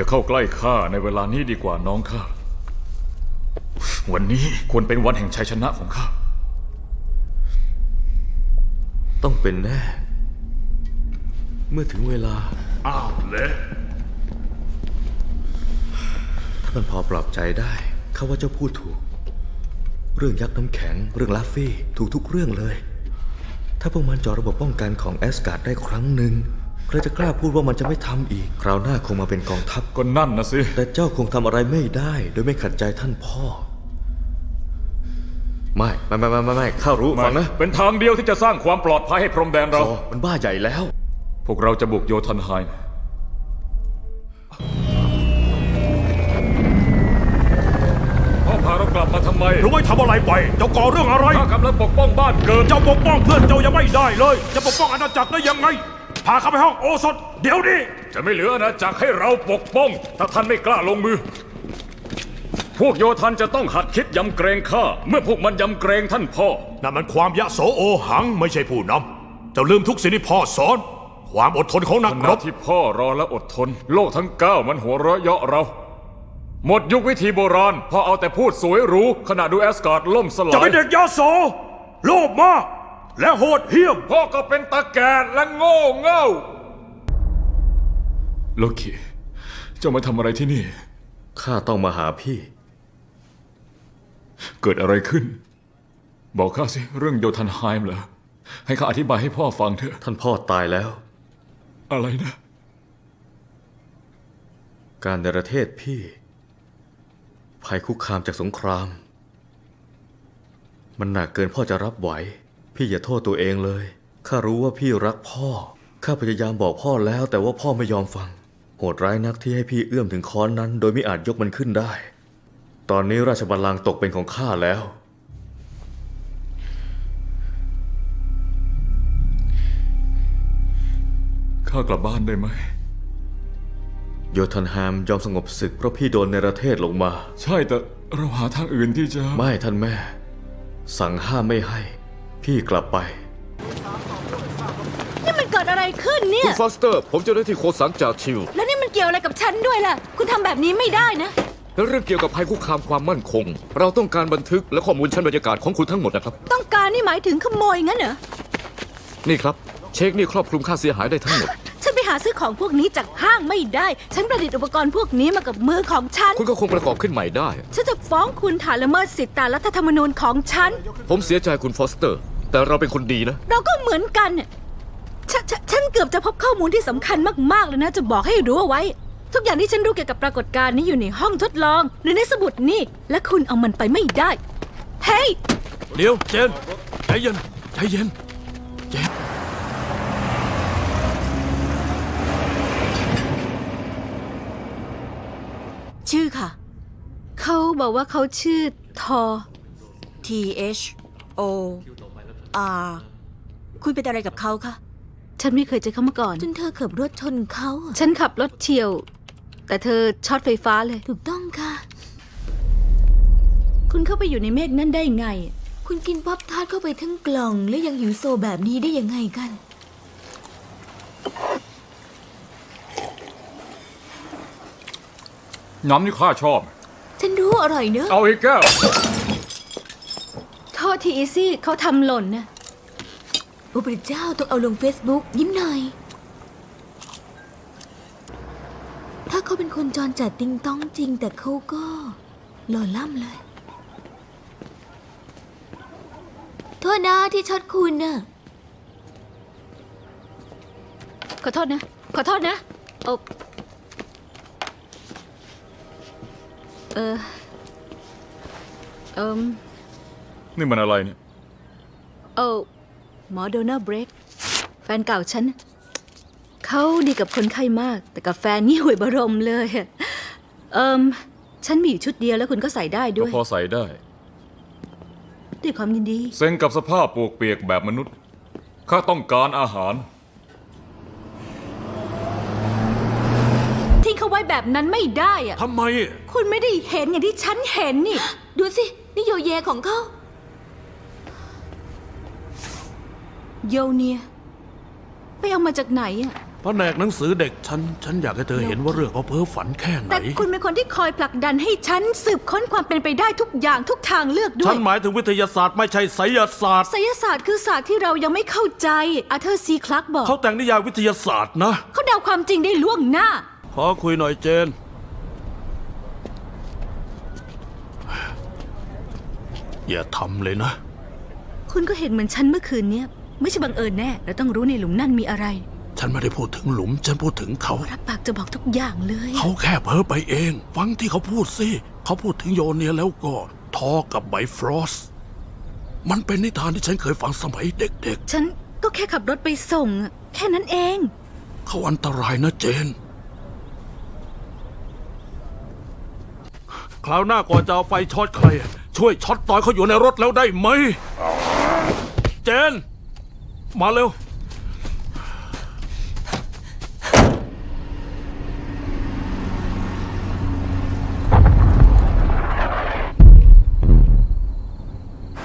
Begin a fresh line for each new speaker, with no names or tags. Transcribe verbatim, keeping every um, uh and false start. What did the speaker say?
อย่าเข้าใกล้ข้าในเวลานี้ดีกว่าน้องข้าวันนี้ควรเป็นวันแห่งชัยชนะของข้า
ต้องเป็นแน่เมื่อถึงเวลา
อ้าวเละ
ถ้ามันพอปลอบใจได้ข้าว่าเจ้าพูดถูกเรื่องยักษ์น้ำแข็งเรื่องลาฟฟี่ถูกทุกเรื่องเลยถ้าพวกมันเจาะระบบป้องกันของแอสการ์ดได้ครั้งหนึ่งใครจะกล้าพูดว่ามันจะไม่ทำอีกคราวหน้าคงมาเป็นกองทัพ
ก็นั่นนะสิ
แต่เจ้าคงทำอะไรไม่ได้โดยไม่ขัดใจท่านพ่อไม่ไม่ไม่ไม่ไม่ข้ารู้ฟังนะ
เป็นทางเดียวที่จะสร้างความปลอดภัยให้พรมแดนเรา
มันบ้าใหญ่แล้ว
พวกเราจะบุกโยธันไฮม์พ่อพาเรากลับมาทำไม
รู้ไหมทำอะไรไปเจ้าก่อเรื่องอะไร
ข้ากำลังปกป้องบ้านเกิด
เจ้าปกป้องเพื่อนเจ้ายังไม่ได้เลยจะปกป้องอาณาจักรได้ยังไงพาเข้าไปห้องโอสถเดี๋ยวนี้
จะไม่เหลืออาณาจักรให้เราปกป้องถ้าท่านไม่กล้าลงมือพวกโยธันจะต้องหัดคิดยำเกรงข้าเมื่อพวกมันยำเกรงท่านพ่อ
นั่นมันความยะโสโอหังไม่ใช่ผู้นำเจ้าลืมทุกสิ่งที่พ่อสอนความอดทนของนักรบ
ที่พ่อรอและอดทนโลกทั้งเก้ามันหัวเราะเยาะเราหมดยุควิธีโบราณพ่อเอาแต่พูดสวยหรูขณะดูแอสการ์ดล่มสลาย
จะเป็นเด็กยะโสโลภมากและโหดเหี้ยม
พ่อก็เป็นตาแก่และโง่เง่าโลคิเจ้ามาทำอะไรที่นี่
ข้าต้องมาหาพี่
เกิดอะไรขึ้นบอกข้าสิเรื่องโยธันไฮม์เหรอให้ข้าอธิบายให้พ่อฟังเถอะ
ท่านพ่อตายแล้ว
อะไรนะ
การในประเทศพี่ภัยคุกคามจากสงครามมันหนักเกินพ่อจะรับไหวพี่อย่าโทษตัวเองเลยข้ารู้ว่าพี่รักพ่อข้าพยายามบอกพ่อแล้วแต่ว่าพ่อไม่ยอมฟังโหดร้ายนักที่ให้พี่เอื้อมถึงค้อนนั้นโดยไม่อาจยกมันขึ้นได้ตอนนี้ราชบัลลังก์ตกเป็นของข้าแล้ว
ข้ากลับบ้านได้ไหม
โยธันไฮม์ยอมสงบศึกเพราะพี่โดนในประเทศลงมา
ใช่แต่เราหาทางอื่นที่จะ
ไม่ท่านแม่สั่งห้ามไม่ให้พี่กลับไป
นี่มันเกิดอะไรขึ้นเนี่ย
คุณฟอสเตอร์ผมเจ้าหน้าที่โคสังจากชิว
แล้วนี่มันเกี่ยวอะไรกับฉันด้วยล่ะคุณทำแบบนี้ไม่ได้นะ
เรื่องเกี่ยวกับภัยคุกคามความมั่นคงเราต้องการบันทึกและข้อมูลชั้นบรรยากาศของคุณทั้งหมดนะครับ
ต้องการนี่หมายถึงขโมยงั้นเหรอ
นี่ครับเช็คนี่ครอบคลุมค่าเสียหายได้ทั้งหมด
ฉันไปหาซื้อของพวกนี้จากห้างไม่ได้ฉันประดิษฐ์อุปกรณ์พวกนี้มากับมือของฉัน
คุณก็คงประกอบขึ้นใหม่ได้
ฉันจะฟ้องคุณฐานละเมิดสิทธิตามรัฐธรรมนูญของฉัน
ผมเสียใจคุณฟอสเตอร์แต่เราเป็นคนดีนะ
เราก็เหมือนกันฉฉฉันเกือบจะพบข้อมูลที่สำคัญมากๆเลยนะจะบอกให้รู้เอาไว้ทุกอย่างที่ฉันรู้เกี่ยวกับปรากฏการณ์นี้อยู่ในห้องทดลองหรือในสมุดนี่และคุณเอามันไปไม่ได้เฮ้ย
เดี๋ยวเจนใจเย็นใจเย็นเจน
ชื่อค่ะเขาบอกว่าเขาชื่อทอ T H O R คุณเป็นอะไรกับเขาคะฉันไม่เคยเจอเขามาก่อน
จนเธอขับรถชนเขา
ฉันขับรถเฉี่ยวแต่เธอช็อตไฟฟ้าเลย
ถูกต้องค่ะ
คุณเข้าไปอยู่ในเมฆนั่นได้ไง
คุณกินป๊อปทาร์ตเข้าไปทั้งกล่องและยังหิวโซแบบนี้ได้ยังไงกัน
น้ำนี่ข้าชอบ
ฉันรู้อร่อยเนอะ
เอาอีกแก้ว
โทษทีอีซี่เขาทำหล่นนะ
โอ้พระเจ้าต้องเอาลงเฟซบุ๊กยิ้มหน่อยถ้าเขาเป็นคนจรจัดติงต้องจริงแต่เขาก็หล่อล่ำเลยโทษนะที่ช็อตคุณน่ะ
ขอโทษนะขอโทษนะโอ้เออเอิม
นี่มันอะไรเนี่ย
โอ้หมอโดนัลด์เบรกแฟนเก่าฉันเขาดีกับคนไข้มากแต่กับแฟนนี่ห่วยบรมเลยเอิมฉันมีอยู่ชุดเดียวแล้วคุณก็ใส่ได้ด้วย
ก็พอใส่ได้
ด้วยความยินดี
เซ็งกับสภาพปวกเปียกแบบมนุษย์ข้าต้องการอาหาร
ทิ้งเขาไว้แบบนั้นไม่ได้อะ
ทำไม
คุณไม่ได้เห็นอย่างที่ฉันเห็นนี่
ดูสินี่โยเยของเขา
โยเนียไปเอามาจากไหนอะ
แผนกหนังสือเด็กฉัน ฉันอยากให้เธอเห็นว่าเรื่องเขาเพ้อฝันแค่ไหน
แต่คุณเป็นคนที่คอยผลักดันให้ฉันสืบค้นความเป็นไปได้ทุกอย่างทุกทางเลือกด้ว
ฉั
ย
นหมายถึงวิทยาศาสตร์ไม่ใช่ไสยศาสตร์
ไสยศาสตร์คือศาสตร์ที่เรายังไม่เข้าใจอาเธอร์ซีคลักบอก
เขาแต่งนิยายวิทยาศาสตร์นะ
เขาเดาความจริงได้ล่วงหน้า
ขอคุยหน่อยเจน อย่าทำเลยนะ
คุณก็เห็นเหมือนฉันเมื่อคืนเนี้ยไม่ใช่บังเอิญแน่เราต้องรู้ในหลุมนั่นมีอะไร
ฉันไม่ได้พูดถึงหลุม ฉันพูดถึงเขา
รับปากจะบอกทุกอย่างเลย
เขาแค่เพ้อไปเอง ฟังที่เขาพูดสิ เขาพูดถึงโยเนียแล้วก็ทอกับไบฟรอส มันเป็นนิทานที่ฉันเคยฟังสมัยเด็ก
ฉันก็แค่ขับรถไปส่งอะแค่นั้นเอง
ๆ เขาอันตรายนะเจน คราวหน้าก่อนจะเอาไฟช็อตใคร ช่วยช็อตตอนเขาอยู่ในรถแล้วได้ไหม เจน มาเร็ว